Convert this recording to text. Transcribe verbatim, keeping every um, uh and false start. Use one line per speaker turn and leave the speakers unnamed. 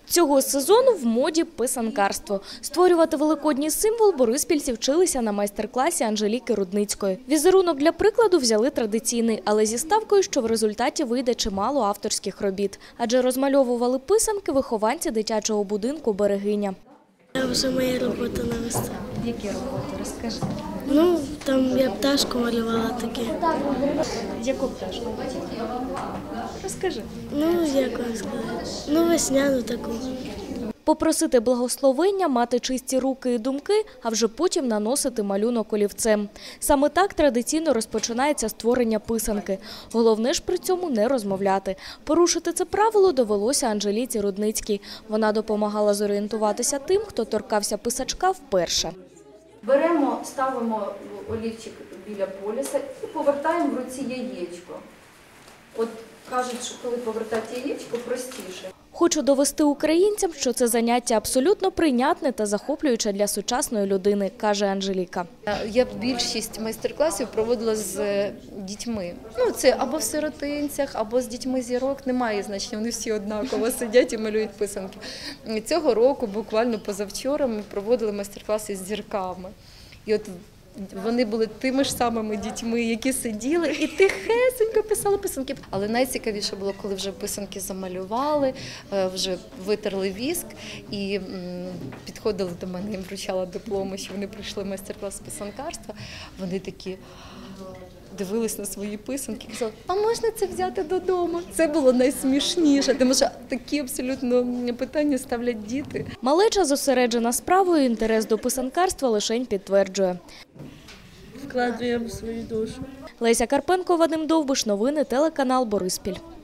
Цього сезону в моді писанкарство. Створювати великодній символ бориспільці вчилися на майстер-класі Анжеліки Рудницької. Візерунок для прикладу взяли традиційний, але зі ставкою, що в результаті вийде чимало авторських робіт. Адже розмальовували писанки вихованці дитячого будинку «Берегиня».
Це вже моя робота на виставі.
Які роботи? Розкажи.
Ну, там я пташку малювала таке.
Яку пташку? Розкажи.
Ну, як вам сказати? Ну, весняну таку.
Попросити благословення, мати чисті руки і думки, а вже потім наносити малюнок олівцем. Саме так традиційно розпочинається створення писанки. Головне ж при цьому не розмовляти. Порушити це правило довелося Анжеліці Рудницькій. Вона допомагала зорієнтуватися тим, хто торкався писачка вперше.
Беремо, ставимо олівчик біля полюса і повертаємо в руці яєчко. От кажуть, що коли повертати яєчко, простіше.
Хочу довести українцям, що це заняття абсолютно прийнятне та захоплююче для сучасної людини, каже Анжеліка.
Я більшість майстер-класів проводила з дітьми. Ну, це або в сиротинцях, або з дітьми зірок. Немає значення, вони всі однаково сидять і малюють писанки. Цього року, буквально позавчора, ми проводили майстер-класи з зірками. І от вони були тими ж самими дітьми, які сиділи і тихесенько писали писанки. Але найцікавіше було, коли вже писанки замалювали, вже витерли віск і підходили до мене, їм вручала дипломи, що вони пройшли майстер-клас з писанкарства. Вони такі дивились на свої писанки і казали, а можна це взяти додому? Це було найсмішніше, тому що такі абсолютно питання ставлять діти.
Малеча зосереджена справою, інтерес до писанкарства лишень підтверджує.
Вкладуємо свою душу.
Леся Карпенко, Вадим Довбиш, новини, телеканал Бориспіль.